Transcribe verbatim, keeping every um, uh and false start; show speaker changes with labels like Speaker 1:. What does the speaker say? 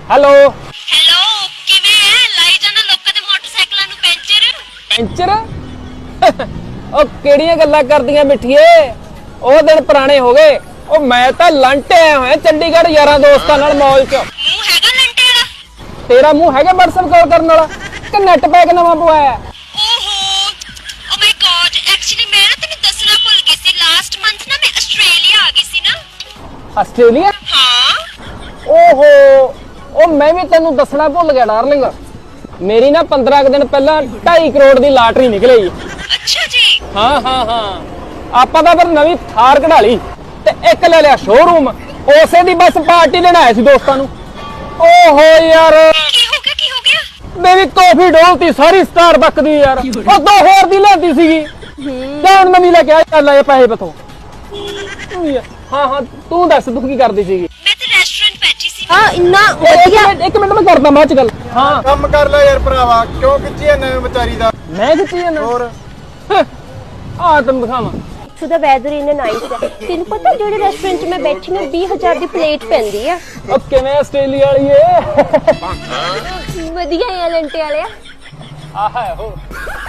Speaker 1: hello
Speaker 2: hello ਕਿਵੇਂ ਹੈ ਲਾਈ ਜਾਣਾ ਲੋਕਾਂ ਦੇ ਮੋਟਰਸਾਈਕਲਾਂ ਨੂੰ ਪੈਂਚਰ
Speaker 1: ਪੈਂਚਰ ਉਹ ਕਿਹੜੀਆਂ ਗੱਲਾਂ ਕਰਦੀਆਂ ਮਿੱਠੀਏ ਉਹ ਦਿਨ ਪੁਰਾਣੇ ਹੋ ਗਏ ਉਹ ਮੈਂ ਤਾਂ ਲੰਟੇ ਆਇਆ ਹੋਇਆ ਚੰਡੀਗੜ੍ਹ ਯਾਰਾਂ ਦੋਸਤਾਂ ਨਾਲ ਮੌਲ 'ਚ
Speaker 2: ਮੂੰਹ ਹੈਗਾ ਲੰਟੇ ਵਾਲਾ
Speaker 1: ਤੇਰਾ ਮੂੰਹ ਹੈਗਾ WhatsApp ਕਾਲ ਕਰਨ ਵਾਲਾ ਕਿ ਨੈਟ ਪੈਕ ਨਵਾਂ ਪਵਾਇਆ
Speaker 2: ਓਹੋ ਓ ਮਾਈ ਗॉड ਐਕਚੁਅਲੀ ਮੈਂ ਨਾ ਤੈਨੂੰ ਦੱਸਣਾ ਭੁੱਲ ਗਈ ਸੀ ਲਾਸਟ ਮੰਥ ਨਾ ਮੈਂ ਆਸਟ੍ਰੇਲੀਆ ਆ ਗਈ ਸੀ ਨਾ
Speaker 1: ਆਸਟ੍ਰੇਲੀਆ
Speaker 2: ਹਾਂ
Speaker 1: ਓਹੋ ਉਹ ਮੈਂ ਵੀ ਤੈਨੂੰ ਦੱਸਣਾ ਭੁੱਲ ਗਿਆ ਡਾਰਲਿੰਗ ਮੇਰੀ ਨਾ ਪੰਦਰਾਂ ਕੁ ਦਿਨ ਪਹਿਲਾਂ ਢਾਈ ਕਰੋੜ ਦੀ ਲਾਟਰੀ ਨਿਕਲੀ
Speaker 2: ਅੱਛਾ ਜੀ
Speaker 1: ਹਾਂ ਹਾਂ ਹਾਂ ਆਪਾਂ ਤਾਂ ਫਿਰ ਨਵੀਂ ਥਾਰ ਕਢਾ ਲਈ ਤੇ ਇੱਕ ਲੈ ਲਿਆ ਸ਼ੋਰੂਮ ਉਸੇ ਦੀ ਬਸ ਪਾਰਟੀ ਲੈਣ ਆਏ ਸੀ ਦੋਸਤਾਂ ਨੂੰ ਓਹੋ ਯਾਰ
Speaker 2: ਕੀ ਹੋ ਗਿਆ ਕੀ ਹੋ ਗਿਆ
Speaker 1: ਮੇਰੀ ਕਾਫੀ ਡੋਲਤੀ ਸਾਰੀ ਸਟਾਰਬਕ ਦੀ ਯਾਰ ਉਹ ਦੋ ਹੋਰ ਦੀ ਲੈਂਦੀ ਸੀਗੀ ਜਾਣ ਨਵੀਂ ਲੈ ਕੇ ਆ ਚੱਲ ਆਏ ਪੈਸੇ ਬਥੋਂ ਹਾਂ ਹਾਂ ਤੂੰ ਦੱਸ ਤੂੰ ਕੀ ਕਰਦੀ ਸੀਗੀ
Speaker 2: ਮੈਂ ਤੇ ਰੈਸਟੋਰੈਂਟ ਬੈਠੀ ਸੀ
Speaker 3: ਹਾਂ ਇੰਨਾ
Speaker 1: ਇੱਕ ਮਿੰਟ ਇੱਕ ਮਿੰਟ ਮੈਂ ਕਰਦਾ ਬਾਅਦ ਚ ਗੱਲ ਹਾਂ
Speaker 4: ਕੰਮ ਕਰ ਲੈ ਯਾਰ ਭਰਾਵਾ ਕਿਉਂ ਖਿੱਚੀ ਐ ਨਵੇਂ ਵਿਚਾਰੀ ਦਾ
Speaker 1: ਮੈਂ ਕਿੱਥੇ ਜਾਣਾ
Speaker 4: ਹੋਰ
Speaker 1: ਆ ਤੈਨੂੰ ਦਿਖਾਵਾਂ
Speaker 3: ਸੋ ਦਾ ਵੈਦਰ ਇਨ ਨਾਈਸ ਹੈ ਤੈਨੂੰ ਪਤਾ ਜਿਹੜੇ ਰੈਸਟੋਰੈਂਟ 'ਚ ਮੈਂ ਬੈਠੀ ਨਾ ਵੀਹ ਹਜ਼ਾਰ ਦੀ ਪਲੇਟ ਪੈਂਦੀ ਆ
Speaker 1: ਉਹ ਕਿਵੇਂ ਆਸਟ੍ਰੇਲੀਆ ਵਾਲੀ ਏ
Speaker 3: ਵਧੀਆ ਹੈ ਲੰਟੇ ਵਾਲਿਆ
Speaker 1: ਆਹ ਹੈ ਉਹ